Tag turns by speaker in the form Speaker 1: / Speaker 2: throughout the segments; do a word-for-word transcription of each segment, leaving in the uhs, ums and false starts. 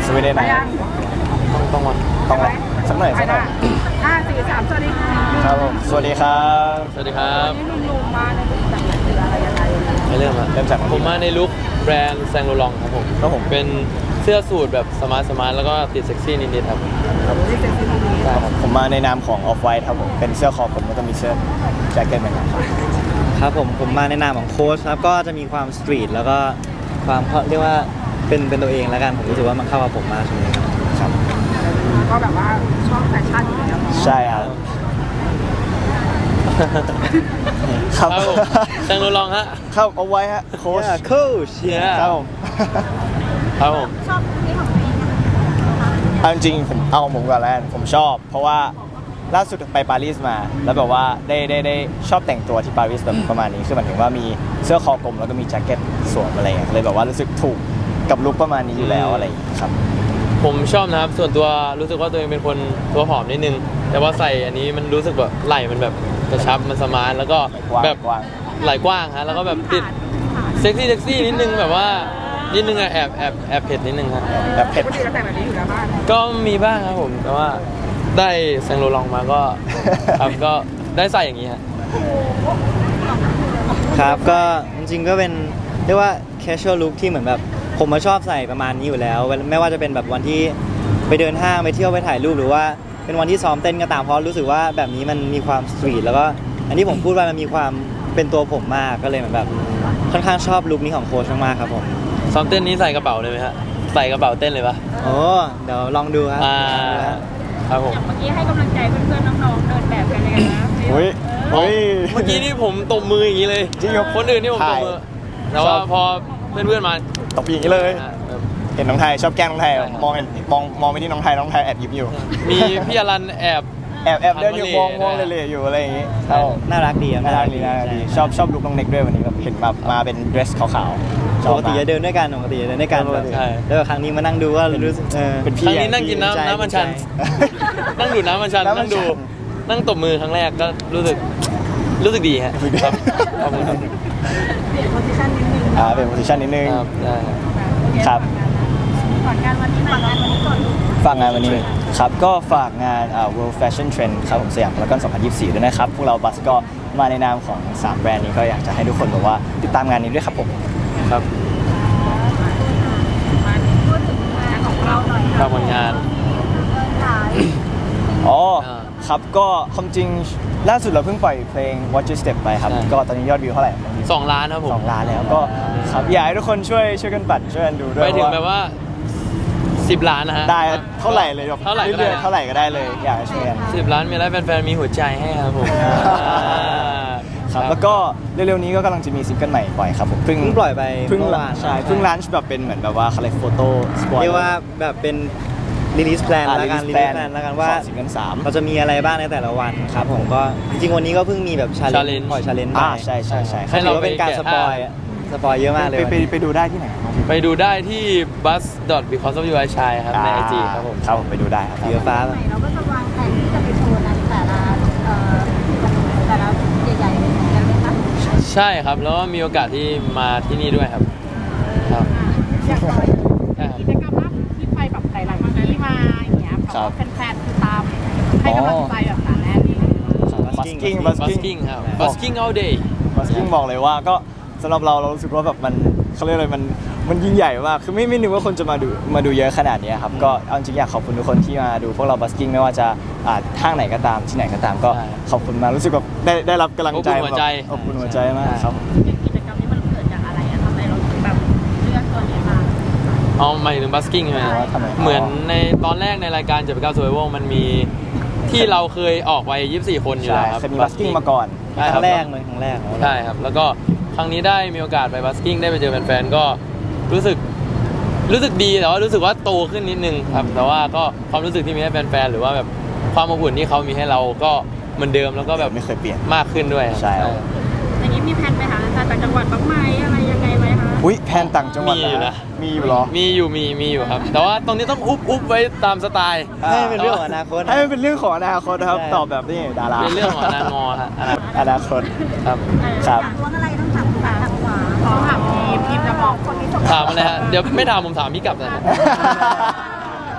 Speaker 1: สวีเดนนะต้องต้องต้องสักหน่อยสักหน่อย
Speaker 2: ห้าสี่สามสวัสดี
Speaker 1: ครับผมสวัสดีครับ
Speaker 3: สวัสดีครับ
Speaker 2: นี่ลุงลุงมาในลุคแบบไหนหรืออะไรยังไง
Speaker 3: ไม่เริ่มอะ
Speaker 1: เริ่มจาก
Speaker 3: ผมมาในลุคแบรนด์แซงโลลองครับผม
Speaker 1: ครับผม
Speaker 3: เป็นเสื้อสูทแบบสมาร์ทสมาร์ทแล้วก็ติดเซ็กซี่นิดๆครับ
Speaker 1: ครับผมมาในนามของ Off White ครับผมเป็นเสื้อคอผมแล้วก็มีเสื้อแจ็คเก็ตเหมือนกันครับ
Speaker 4: ครับผมผมมาในนามของโค้ชครับก็จะมีความสตรีทแล้วก็ความเรียกว่าเป็นเป็นตัวเองแล้วกันผมรู้สึกว่ามันเข้ากับผมมากช่วงนี้ครับ
Speaker 2: ก็แบบว่าชอบแฟชั่นอยู่แล้ว
Speaker 1: ใช่ครับ
Speaker 3: ครับผมแซงโลลองฮะ
Speaker 1: ครับเอาไว้ฮะโค้ช
Speaker 4: โค้ช
Speaker 1: ครับผม
Speaker 3: ครับผม
Speaker 2: ชอบนี่ของตัวเอง
Speaker 1: เอาจริงผมเอาผมก่อนแล้วผมชอบ เพราะว่าล่าสุดไปปารีสมาแล้วแบบว่าได้ได้ได้ชอบแต่งตัวที่ปารีสแบบประมาณนี้คือหมายถึงว่ามีเสื้อคอกลมแล้วก็มีแจ็คเก็ตสวมอะไรเงี้ยเลยแบบว่ารู้สึกถูกกับลุคประมาณนี้อยู่แล้วอะไรอย่างเงี้ยครับ
Speaker 3: ผมชอบนะครับส่วนตัวรู้สึกว่าตัวเองเป็นคนตัวผอมนิดนึงแต่ว่าใส่อันนี้มันรู้สึกแบบไหล่มันแบบกระชับมันสมาร์ทแล้วก็แบบไหล่กว้างฮะแล้วก็แบบติดเซ็กซี่เซ็กซี่นิดนึงแบบว่านิดนึงอะแอบแอบแอบเผ็ดนิดนึงครับ
Speaker 1: แอบเผ็ด
Speaker 2: แต่แบบนี้อยู่แล้วบ้าง
Speaker 3: ก็มีบ้างครับผมแต่ว่าได้แซงโลลองมาก็ครับก็ได้ใส่อย่างนี้ฮะ
Speaker 4: ครับก็จริงๆก็เป็นเรียกว่า casual look ที่เหมือนแบบผมมาชอบใส่ประมาณนี้อยู่แล้วไม่ว่าจะเป็นแบบวันที่ไปเดินห้างไปเที่ยวไปถ่ายรูปหรือว่าเป็นวันที่ซ้อมเต้นก็ตามเพราะรู้สึกว่าแบบนี้มันมีความสตรีทแล้วก็อันที่ผมพูดว่ามันมีความเป็นตัวผมมากก็เลยเหมือนแบบค่อนข้างชอบลุคนี้ของโค้ชมากๆครับผม
Speaker 3: ซ้อมเต้นนี้ใส่กระเป๋าเลยไหมฮะใส่กระเป๋าเต้นเลยปะ
Speaker 4: โอ้เดี๋ยวลองดูครับ
Speaker 3: ครับผม
Speaker 2: อย่างเมื่อกี้ให้กำลังใจเพื่อนๆน้องๆเดินแบบกันเลยนะ
Speaker 1: เฮ้ยเฮ้ย
Speaker 3: เมื่อกี้นี่ผมตบมืออย่างนี้เลย
Speaker 1: จริงเหรอ
Speaker 3: คนอื่นนี่ผมตบมือแต่ว่าพอเพื่อนๆมา
Speaker 1: ตบอย่างนี้เลยเห็นน้องไทยชอบแกล้งน้องไทยมองเห็นมองมองไปที่น้องไทยน้องไทยแอบยิ้มอยู่
Speaker 3: มีพี่อรันแอบ
Speaker 1: แอบแอบเดินอยู่มองมองเล่ๆอยู่อะไรอย่างงี้
Speaker 4: น่ารักดี
Speaker 1: น่ารักดีน่ารักดีชอบชอบลุคน้องเน็กด้วยวันนี้แบบเห็นมามาเป็นเดรสขาวๆ
Speaker 4: ปกติจะเดินด้วยกันปกติจะเดินด้วยกันแล้วครั้งนี้มานั่งดูว่ารู้สึก
Speaker 1: เป็นพี่
Speaker 3: ครั้งนี้นั่งกินน้ำน้ำมันชันนั่งดูน้ำมันชันนั่งดูนั่งตบมือครั้งแรกก็รู้สึกรู้สึกดีฮะครับขอบคุณครับ
Speaker 2: เปลี่ยนโพสิชันนิดนึง
Speaker 1: อ่าเปลี่ยนโพสิชันนิดนึงครับ
Speaker 2: ฝากงานวันนี้ฝากงานวันนี้ก่อน
Speaker 1: ฝากงานวันนี้ครับก็ฝากงาน World Fashion Trend ครับผมสยามพารากอนสองพันยี่สิบสี่ด้วยนะครับพวกเราบัสก็มาในนามของสามแบรนด์นี้ก็อยากจะให้ทุกคนบอกว่าติดตามงานนี้ด้วยครับผม
Speaker 3: ครับ
Speaker 2: พูดถึงงานของเราหน่อย
Speaker 3: ฝากผลงาน
Speaker 1: อ๋อครับก็ความจริงล่าสุดเราเพิ่งปล่อยเพลง Watch Your Step ไปครับก็ตอนนี้ยอดวิวเท่าไหร่
Speaker 3: สองล้านครับผม
Speaker 1: สองล้านแล้วก็ครับอยากให้ทุกคนช่วยช่วยกันปั่นช่วยกันดูด้วย
Speaker 3: ไปถึงแบบว่าสิบล้านนะฮะ
Speaker 1: ได้เท่าไหร่เลย
Speaker 3: เท่าไหร่ก็
Speaker 1: ได้เท่าไหร่ก็ได้เลยอยากให้ช่วยกัน
Speaker 3: สิบล้านมีแล้วแฟนๆมีหัวใจให้ครับผม
Speaker 1: ครับแล้วก็เร็วๆนี้ก็กำลังจะมีซิงเกิลใหม่ปล่อยครับผม
Speaker 4: เพิ่งปล่อยไป
Speaker 1: เพิ่งใช่เพิ่งลันช์แบบเป็นเหมือนแบบว่าคาแรคโฟโต้สปอร์ต
Speaker 4: เรียกว่าแบบเป็นรีลิสแพลนแล้วกันรีลิสแพลนแล้วกันว่า
Speaker 1: ซิงเกิลสาม
Speaker 4: เราจะมีอะไรบ้างในแต่ละวันครับผมก็จริงๆวันนี้ก็เพิ่งมีแบบชาเลนจ์ปล่อยชาเลนจ์
Speaker 1: อ่าใช่ใช่ใช่
Speaker 4: ให้เราเป็นการสปอยสปอยเยอะมากเลย
Speaker 1: ไปไปดูได้ที่ไหน
Speaker 3: ไปดูได้ที่ bus dot because of you I shine ครับใน ไอ จี ครับผม
Speaker 1: ครับผมไปดูได้ครับ
Speaker 4: เยอะฟ้า
Speaker 2: เราก็จะวางแผนที่จะไปโชว์นั้นแต่ละแต่ละใหญ่ๆเลยกันไหมคะ
Speaker 3: ใช่ครับแล้วก็มีโอกาสที่มาที่นี่ด้วยครับครับ
Speaker 2: อย่างน้อยกิจกรรมล่าสุดที่ไปแบบหลายๆที่มาอย่างเงี้ยเพราะว่าแฟนๆคือตามให้กำลังใจแบบหนาแน่นนี่
Speaker 1: บัสกิ้งบัส
Speaker 3: กิ้งครับ busking all day
Speaker 1: บัสกิ้งบอกเลยว่าก็สำหรับเราเรารู้สึกว่าแบบมันเขาเรียกอะไรมันมันยิ่งใหญ่มากคือไม่ไม่นึกว่าคนจะมาดูมาดูเยอะขนาดนี้ครับก็เอาจริงอยากขอบคุณทุกคนที่มาดูพวกเราบัสกิ้งไม่ว่าจะห้างไหนก็ตามที่ไหนก็ตามก็ขอบคุณมากรู้สึกแบบได้ได้รับกำลังใจ
Speaker 3: อบอุ่นหัวใจ
Speaker 1: อบอุ่นหัวใจมากครับ
Speaker 2: กิจกรรมนี้มันเกิดจากอะไรอะทำไมเราถึงแบบเลือกตัวนี้มา
Speaker 3: อ๋อหมายถึงบัสกิ้งใช่ไหมเหมือนในตอนแรกในรายการเจ็ดแปดเก้า Survival มันมีที่เราเคยออกไปยี่สิบสี่คนอยู่แล้วครับ
Speaker 1: เคยมีบัสกิ้งมาก่อน
Speaker 4: ครั้งแรกเลยครั้งแรก
Speaker 3: ใช่ครับแล้วก็ครั้งนี้ได้มีโอกาสไปบัสกิ้งได้ไปเจอแฟนๆก็รู้สึกรู้สึกดีแต่ว่ารู้สึกว่าโตขึ้นนิดนึงครับแต่ว่าก็ความรู้สึกที่มีให้แฟนๆหรือว่าแบบความอบอุ่นที่เขามีให้เราก็เหมือนเดิมแล้วก็แบบ
Speaker 1: ไม่เคยเปลี่ยน
Speaker 3: มากขึ้นด้วย
Speaker 1: ใช่
Speaker 2: อย่างนี้มีแผนไปหาต่างจังหวัดบ้างไหมอะไรยังไงไหมคะ
Speaker 1: อุ้ยแผนต่างจังหวัด
Speaker 3: มีอยู่นะ
Speaker 1: มีอยู่หรอ
Speaker 3: มีอยู่มีมีอยู่ครับแต่ว่าตรงนี้ต้องอุบอุบไว้ตามสไตล์
Speaker 4: ให้เป็นเรื่องของอนาคต
Speaker 1: ให้มันเป็นเรื่องของอนาคตนะครับตอบแบบนี้ดารา
Speaker 3: เป็นเรื่องของอนาคต
Speaker 1: อนาคต
Speaker 3: ครับ
Speaker 1: ครับ
Speaker 2: ว่าอะไรต้องถามถามขวาขอถามทีมทีมจะบอกคนที่ส่ง
Speaker 3: ถามอะไรฮะเดี๋ยวไม่ถามผมถามพี่กลับนะ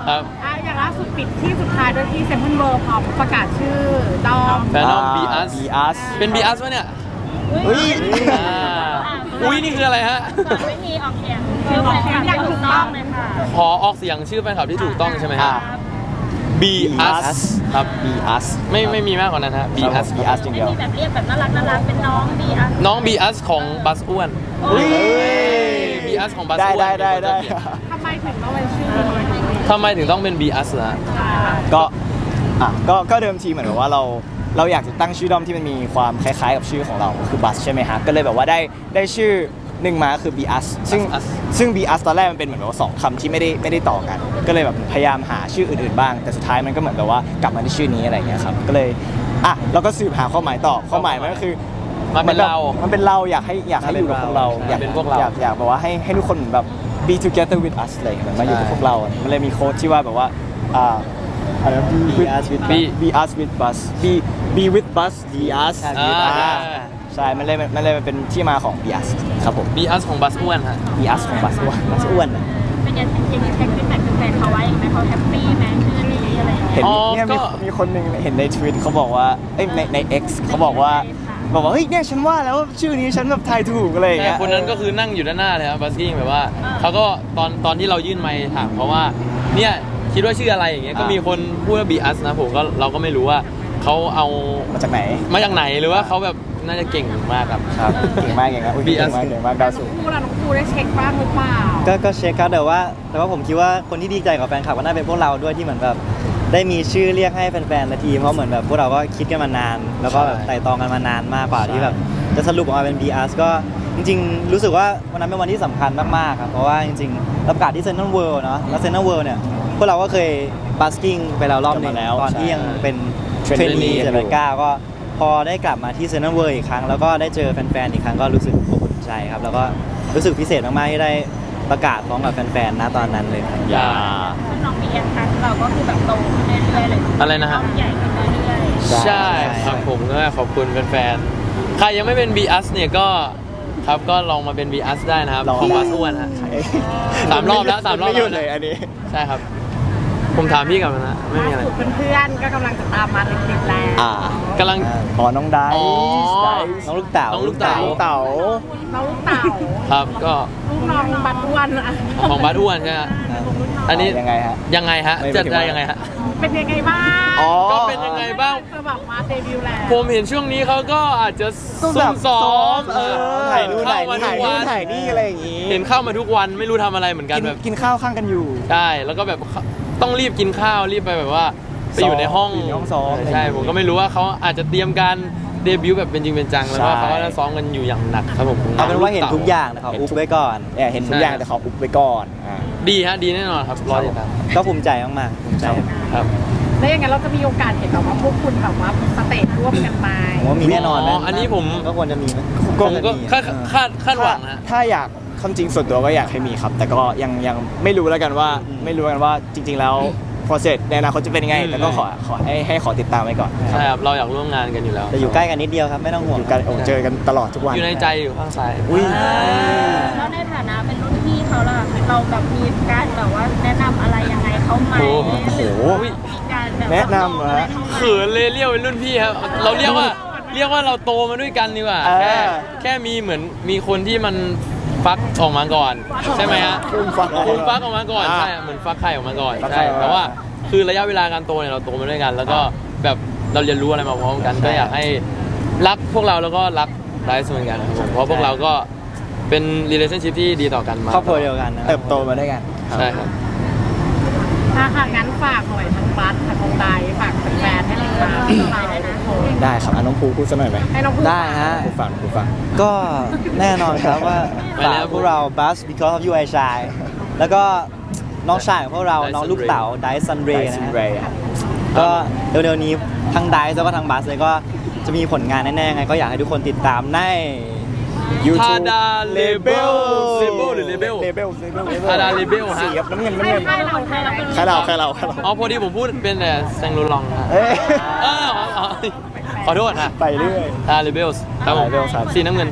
Speaker 3: ครับ
Speaker 2: อ่ะอย่างล่าสุดปิดที่สุดท้ายด้วยที่เซนทรัลเวิลด์พร้อมประกาศชื่อดอม
Speaker 3: แฟนดอม บี อัส
Speaker 1: บีอัส
Speaker 3: เป็น บี อัส วะเนี่ย
Speaker 1: เฮ้ย
Speaker 3: อ่าอุ้ยนี่คืออะไรฮะ
Speaker 5: วิธีออกเสียงชื่อแฟนคลับอย่างถูกต้องเลยค่ะ
Speaker 3: ขอออกเสียงชื่อแฟนคลับที่ถูกต้องใช่ไหมฮะ บี อัส ครับ
Speaker 1: บีอัส
Speaker 3: ไม่ไม่มีมากกว่านั้นฮะ บี อัส
Speaker 1: บีอัสจริง
Speaker 5: ไม่
Speaker 1: เดียว
Speaker 5: มีแบบเรียกแบบน่ารักน่ารักเป็นน้องดีอ่ะ
Speaker 3: น้อง บี อัส ของบัสอ้วน
Speaker 1: อุ้ย
Speaker 3: บี อัส ของบัส
Speaker 1: ได้
Speaker 3: อ้วน
Speaker 1: ได้ได้ได้
Speaker 2: ทำไมถึงต้องเป็นชื่อ
Speaker 3: ทำไมถึงต้องเป็น บี อัส ล่ะ
Speaker 1: ก็อ่ะก็ก็เดิมทีเหมือนแบบว่าเราเราอยากจะตั้งชื่อด้อมที่มันมีความคล้ายๆกับชื่อของเราคือบัสใช่ไหมฮะก็เลยแบบว่าได้ได้ชื่อหนึ่งมาคือ บี อัส ซึ่ง
Speaker 3: Us
Speaker 1: ซึ่ง บี อัส ตอนแรกมันเป็นเหมือนแบบว่าสองคำที่ไม่ได้ไม่ได้ต่อกัน ก็เลยแบบพยายามหาชื่ออื่นๆบ้าง แต่สุดท้ายมันก็เหมือนแบบว่ากลับมาที่ชื่อนี้อะไรอย่างเงี้ยครับก็เลยอ่ะเราก็สืบหาความหมายต่อความหมายมันก็คือ
Speaker 3: มันเป็นเรา
Speaker 1: มันเป็นเราอยากให้อยากให้อยู่กับพวกเราอยาก
Speaker 3: เป็นพวกเรา
Speaker 1: อยากอยากแบบว่าให้ให้ทุกคนแบบ be together with us อะไรอย่างเงี้ยมาอยู่กับพวกเราอ่ะมันเลยมีโค้ดที่ว่าแบบว่าอ่าอะไรนะ be with
Speaker 4: us with
Speaker 3: be
Speaker 1: be us with bus be be with bus be us
Speaker 3: อ่า
Speaker 1: อ่าใช่มันเลยมันเลยมันเป็นที่มาของ be us ครับผม
Speaker 3: บี อัส ของบัสอ้วนฮะ
Speaker 1: be us ของ bus ด้วย
Speaker 4: บัสอ้วนอะ
Speaker 5: เป็นยังยังแท็กฟีดแบ็กแฟนเขาไว้ไหมเขาแฮปปี้ไหมชื่อนี้อะไรอย่างเงี้ย
Speaker 1: เห็น
Speaker 3: อ๋อ
Speaker 1: เนี่ย
Speaker 3: ก็
Speaker 1: มีมีคนหนึ่งเห็นในทวิตเขาบอกว่าเอ้ยในใน X เขาบอกว่าบอกว่าเฮ้ยเนี่ยฉันว่าแล้วชื่อนี้ฉันแบบทายถูกอะไรอย่าง
Speaker 3: แต่
Speaker 1: เงี้ย
Speaker 3: คนนั้นก็คือนั่งอยู่ด้านหน้าเลยครับบัสกิ้งแบบว่าเขาก็ตอนตอนที่เรายื่นไมค์ถามเขาว่าเนี่ยคิดว่าชื่ออะไรอย่างเงี้ยก็มีคนพูดว่า บี อัส นะผมก็เราก็ไม่รู้ว่าเขาเอา
Speaker 1: มาจากไหน
Speaker 3: มาจากไหนหรือว่าเขาแบบน่าจะเก่งมากครับ
Speaker 1: ครับเก่งมากเก่งมากอุ้ย
Speaker 3: Be
Speaker 1: เก่ง
Speaker 3: us
Speaker 1: มากเก่งมากดาวสูง
Speaker 2: ครูล่ะน้องครูได้เช็คบ้างหรือเปล่า
Speaker 4: ก็ก็เช็คครับแต่ว่า แต่ว่าผมคิดว่าคนที่ดีใจกับแฟนคลับก็น่าเป็นพวกเราด้วยที่เหมือนแบบได้มีชื่อเรียกให้แฟนๆและทีมเพราะเหมือนแบบพวกเราก็คิดกันมานาน แล้วก็แบบไต่ตองกันมานานมากกว่าที่แบบจะสรุปออกมาเป็น บี อัส ก็จริงๆ รู้สึกว่าวันนั้นเป็นวันที่สำคัญมากๆครับเพราะว่าจริงๆเราประกาศที่เซนทรัลเวิลด์เนาะแล้วเซนทรัลเวิลด์เนี่ยพวกเราก็เคยบัสกิ้งไปแล้วรอบหนึง
Speaker 1: กลับมาแล้ว
Speaker 4: ตอนที่ยังเป็น เทรน
Speaker 1: Trainee
Speaker 4: นี
Speaker 1: อยู่
Speaker 4: เจ็ดแปดเก้าก็พอได้กลับมาที่เซนต์เวิร์อีกครั้ง แล้วก็ได้เจอแฟนๆอีกครั้งก็รู้สึกอบอุ่นใจครับ แล้วก็รู้สึกพิเศษมากๆที่ได้ประกาศพร้อมกับแฟนๆนะตอนนั้นเลยครับ
Speaker 1: อย่า
Speaker 5: น้องมีแอนคัสเราก็คือแบบโตขึ้นเรื่อยๆเลย
Speaker 3: อะไรนะฮะ
Speaker 5: ใหญ่ขึ้นเรื่อยๆ
Speaker 3: ใช่ครับผมก็ขอบคุณแฟนๆใครยังไม่เป็น บี อัส เนี่ยก็ครับก็ลองมาเป็น บี อัส ได้นะครับ
Speaker 1: ลอง
Speaker 3: ของบัสอ้วนฮะ สามรอบแล้วสามรอบ
Speaker 1: ไม่หยุด
Speaker 3: แล้วนะ
Speaker 1: เลยอันนี้
Speaker 3: ใใช่ครับ ผมถามพี่กลับมานะไม่มีอะไร
Speaker 2: ล่าสุดเพื่อนๆก็กำลังจะตามมาติดๆแล้ว
Speaker 1: อ่าก
Speaker 3: ำลัง
Speaker 1: อ๋อน้องไดซ์
Speaker 3: อ๋อ
Speaker 1: ไดซ์
Speaker 4: น้องลูกเต๋า
Speaker 3: น้องลูกเต๋า
Speaker 1: น้องเต๋า
Speaker 2: น้องลูกเต่า
Speaker 3: ครับก็
Speaker 2: ลูกน้องบัตรอ้วนอะ
Speaker 3: ของบัสอ้วนใช่ไหมฮะอันนี้
Speaker 1: ยังไงฮะ
Speaker 3: ยังไงฮะ
Speaker 1: ไม่
Speaker 3: จะ
Speaker 1: ไม่ถึง
Speaker 3: ได้
Speaker 1: ว่า
Speaker 3: ยังไงฮะ
Speaker 2: เป็นยังไงบ้าง
Speaker 1: อ๋อ
Speaker 3: ก็เป็นยังไงบ้าง
Speaker 2: จะแบบมาเดบิวต์แล้ว
Speaker 3: ผมเห็นช่วงนี้เขาก็อาจจะซุ่ม
Speaker 1: แบบ
Speaker 3: ซ้อม
Speaker 1: เออ
Speaker 4: ถ่ายนู่น
Speaker 3: เข้า
Speaker 4: ถ่าย
Speaker 3: มา
Speaker 4: นี่
Speaker 3: ทุกวัน
Speaker 1: ถ่ายนี่อะไรอย่างงี้
Speaker 3: เห็นเข้ามาทุกวันไม่รู้ทำอะไรเหมือนกัน
Speaker 1: กิน
Speaker 3: แบบ
Speaker 1: กินข้าวข้างกันอยู่
Speaker 3: ใช่แล้วก็แบบต้องรีบกินข้าวรีบไปแบบว่าไปอยู่ในห้อง
Speaker 1: อยู่ในห้องซ้อม
Speaker 3: ใช่ผมก็ไม่รู้ว่าเขาอาจจะเตรียมการเดบิวต์แบบเป็นจริงเป็นจังแล้วก็
Speaker 1: ใช่
Speaker 3: เขาก็จะซ้อมกันอยู่อย่างหนักครับผม
Speaker 4: เอาเป็นว่าเห็นทุกอย่างนะขออุบไว้ก่อน
Speaker 1: เนี่ยเห็นทุกอย่างแต่ขออุบไว้ก่อนอ่า
Speaker 3: ดีฮะดีแน่นอนครับรอติดตาม
Speaker 4: ก็ภูมิใจมากๆภูมิใจ
Speaker 3: ครับ
Speaker 2: แล้วยังไงเราจะมีโอกาสเห็นแบบว่าพวกคุณแบบว่าสเตจร่วมกันไหม
Speaker 4: ผมว่ามีแน่นอน
Speaker 3: อ๋
Speaker 4: นะ
Speaker 3: ออันนี้ผม
Speaker 4: ก็ควรจะมีนะ
Speaker 3: ผมก็
Speaker 4: มี
Speaker 3: คาดคาดคาดหวังนะ
Speaker 1: ถ้าอยากความจริงส่วนตัวก็อยากให้มีครับ แต่ก็ยังยังไม่รู้แล้วกันว่าไม่รู้กันว่าจริง ๆ แล้ว process ในอนาคตจะเป็นยังไง
Speaker 3: อืม
Speaker 1: แต่ก็ขอขอให้ให้ขอติดตามไว้ก่อน
Speaker 3: ใช่ครับเราอยากร่วมงานกันอยู่แล้ว
Speaker 4: แต่อยู่ใกล้กันนิดเดียวครับไม่ต้องห่วง
Speaker 1: อยู่กันโอ้เจอกันตลอดทุกวัน
Speaker 3: อยู่ในใจอยู่ข้างซ้าย
Speaker 1: อุ้ย
Speaker 5: แล้วในฐานะเป็นรุ่นพี่เขาล่ะเราแบบมีการแบบว่าแนะนำอะไรยังไงเขาไหม
Speaker 3: โอ้
Speaker 5: หรือ
Speaker 1: โห
Speaker 5: มีการแบบ
Speaker 1: แนะนำเหรอฮะ
Speaker 3: เขินเลยเรียกเป็นรุ่นพี่ครับเราเรียกว่าเรียกว่าเราโตมาด้วยกันดีกว่า
Speaker 1: เออ
Speaker 3: แค่แค่มีเหมือนมีคนที่มันฟักออกมาก่อน ใช่ไหมฮะ
Speaker 1: ฟูมฟัก
Speaker 3: ฟูมฟักออกมาก่อน
Speaker 1: อ่า
Speaker 3: ใช่เหมือนฟักไข่ออกมาก่อน
Speaker 1: ฟักไข่
Speaker 3: ใช่
Speaker 1: ออกมา
Speaker 3: แต่ว่าคือระยะเวลาการโตเนี่ยเราโตมาด้วยกัน แล้วก็แบบเราเรียนรู้อะไรมาพร้อมกัน ก็อยากให้รักพวกเราแล้วก็รักไลฟ์เหมือนกันครับผมเพราะพวกเราก็เป็น relationship ที่ดีต่อกันมา
Speaker 4: ครอบครัวเดียวกันนะ
Speaker 1: เติบโตมาด้วยกัน
Speaker 3: ใช่ครับ
Speaker 2: ถ้าค่ะงั้นฝากหน่อยทั้งบัสทั้งน้องไดฝากแฟนๆให้ติดตามเราด้วยนะ
Speaker 1: ได้ครับอ่ะน้องภูพูดสักหน่อยไหม
Speaker 2: ให้น้องพู
Speaker 4: ได้ฮะ
Speaker 1: ภูฟังภูฟัง
Speaker 4: ก็แน่นอนครับว่า
Speaker 3: ไปแล้
Speaker 4: ฝาว กพวกเรา Buzz because of you I shine แล้วก็น้องชายของพวกเรา
Speaker 3: Dyson
Speaker 4: น้องลูกเต๋า Dyson Ray นะ
Speaker 1: Dyson
Speaker 4: ฮะ
Speaker 1: Ray อ่ะ
Speaker 4: ก็เร็วๆนี้ทั้ง Dice แล้วก็ทั้ง Buzz เลยก็จะมีผลงานแน่ๆไงก็อยากให้ทุกคนติดตามใน
Speaker 3: ทาดาเลเบลเลเบลหรือเลเบล
Speaker 1: เลเบลเลเบล
Speaker 3: ทาดาเลเบลฮะ
Speaker 1: สีครับน้ำเงินน้ำ
Speaker 2: ให้
Speaker 1: เงิน
Speaker 2: ให้เราให้เราเป็น
Speaker 1: ใครเราใครเราใครเรา
Speaker 3: อ๋อพอดีผมพูดเป็นแต่แซงโรลองฮะ
Speaker 1: เอ้ย
Speaker 3: เอออ๋ออ๋อขอโทษฮะ
Speaker 1: ไปเรื่อย
Speaker 3: ทาดาเลเบลครับผม
Speaker 1: Labels ครับ
Speaker 3: สีน้ำเงิน
Speaker 5: ถ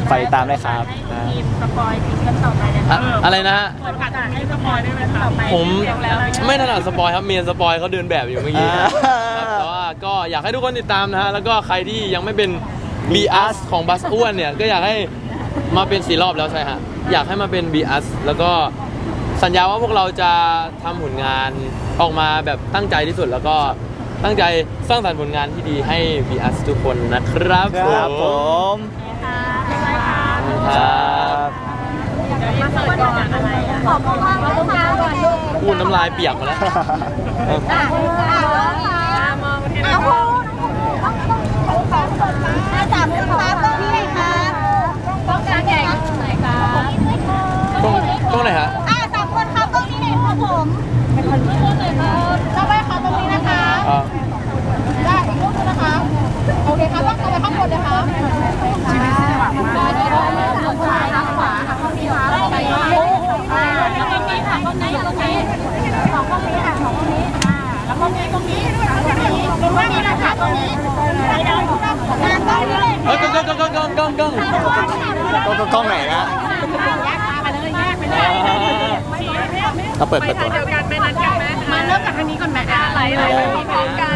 Speaker 1: ฝากติดตามด้วยครับ
Speaker 5: ให้ทีมสปอยซิงเกิลต่อไปเลย
Speaker 3: อะอะไรนะฮะ
Speaker 5: เปิดโอกาสให้สปอยได้ไหมต่อไป
Speaker 3: ผมไม่ถนัดสปอยครับเมียนสปอยเขาเดินแบบอยู่เมื่อกี้
Speaker 1: อ่า
Speaker 3: ครับแต่ว่าก็อยากให้ทุกคนติดตามนะฮะแล้วก็ใครที่ยังไม่เป็น B us ของบัสอ้วนเนี่ยก็อยากให้มาเป็นสี่รอบแล้วใช่ฮะอยากให้มาเป็น B us แล้วก็สัญญาว่าพวกเราจะทำผลงานออกมาแบบตั้งใจที่สุดแล้วก็ตั้งใจสร้างสรรค์ผลงานที่ดีให้ B us ทุกคนนะครับ
Speaker 1: ครับผม
Speaker 5: ค่ะบ๊ายบายค่ะ
Speaker 1: ครับ
Speaker 5: เดี๋ยวมาเปิดก่อนอะไรอ่ะขอบคุณมากเลยค่ะก่อนลูก
Speaker 3: พูดน้ำลายเปียกมาแล้ว
Speaker 5: อ่ะอ่ะอ่ะมองที่น้องพูน้องฟ้าสดนะสามคนฟ้าตรงนี้เลยค่ะต้องการใหญ่ตรงไหนคะ
Speaker 3: ตรงตรงไหนฮะ
Speaker 5: อ่ะสามคนครับตรงนี้เลยครับผมเป็นคนที่พูดเลยค่ะต้องไปครับตรงนี้นะคะ
Speaker 3: อ่า
Speaker 5: ได้อีกรูปนึงนะคะโอเคครับต้องไปข้างบนเลยครับชีวิตสว่างมากขวาทางขวาค่ะข้างนี้ค่ะไปมาอ่าแล้วก็มีค่ะตรงนี้ตรงนี้สองตรงนี้ค่ะสองตรงนี้อ่าแล้วก็มีตรงนี้ด้วยตรงนี้ตรงนี้นะคะตรงนี้ไปเดินข้างหน้าตรงนี้เลย
Speaker 3: เฮ้ยกล้องกล้องกล้องกล้องกล้องกล้อง
Speaker 1: ก็ก็กล้องไหนนะ
Speaker 5: แยกมาไปเลยแยกไปเลย
Speaker 1: เราเปิดเปิดตัว
Speaker 2: เดียวกันไหมนัดกันไหมมาเริ่มจากทางนี้ก่อนไหมอ่ะไหลไหลไหลพร้อมกัน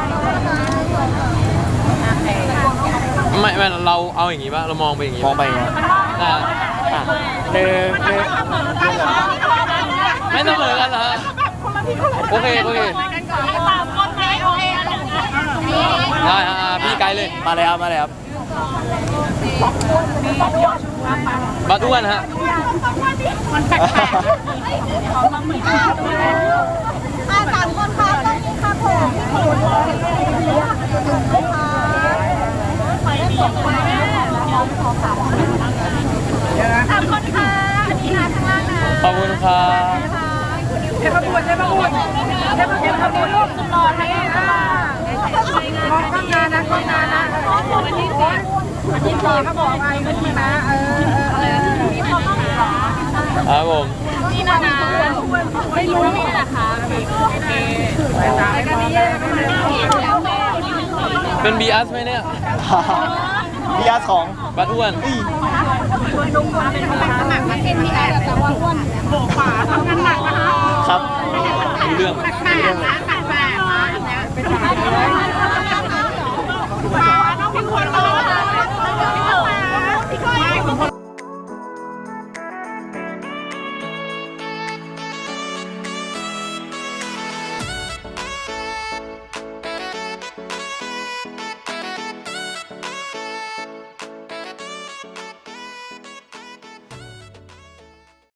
Speaker 3: ไม่ไม่เราเอาอย่างงี้ป่ะเรามองไปอย่างงี้
Speaker 1: มองไปอย่างเงี้ย
Speaker 3: อ่า
Speaker 1: อ่ะหนึ่งหนึ่ง
Speaker 3: ไม่เสมอกันเหรอฮะโอเคโอเค
Speaker 2: กันก่อนสามคนไหนโอเค
Speaker 3: ได้ฮะอ่าพี่ไกด์เลย
Speaker 1: มาเลยครับมาเลยครับ
Speaker 3: บัสอ้วนฮะ
Speaker 2: มันแปลก
Speaker 5: อ่าสามคนครับตรงนี้ครับผมสามคนค่ะอันนี้นะข้างล่างนะ
Speaker 3: ขอบคุณครับ
Speaker 2: ๆเทพบุตรเทพบุตรเทพบุตรเทพบุตรลูกสุดหล่อให้ค่ะมองข้างหน้านะข้างหน้านะวันที่สี่วันที่สี่เขาบอกอะไรวันที่นะเออเอออะไรที่เขาต้องหา
Speaker 3: ครับผม
Speaker 5: นี่นะนะไม่รู้นี่แหละค่ะโอเค
Speaker 2: ไปตามกันนี้
Speaker 3: เป็นบีอัสไหมเนี่ย
Speaker 1: บีอาร์ของ
Speaker 3: บัสอ้วน
Speaker 2: เป็นสมัครมาเป็นที่แอบแต่ว่าอ้วนโบกขวาทำงานหนักนะคะ
Speaker 1: ครับ
Speaker 3: รู้เรื่อง
Speaker 2: แปลกๆนะแปลกๆนะอันเนี้ยเป็น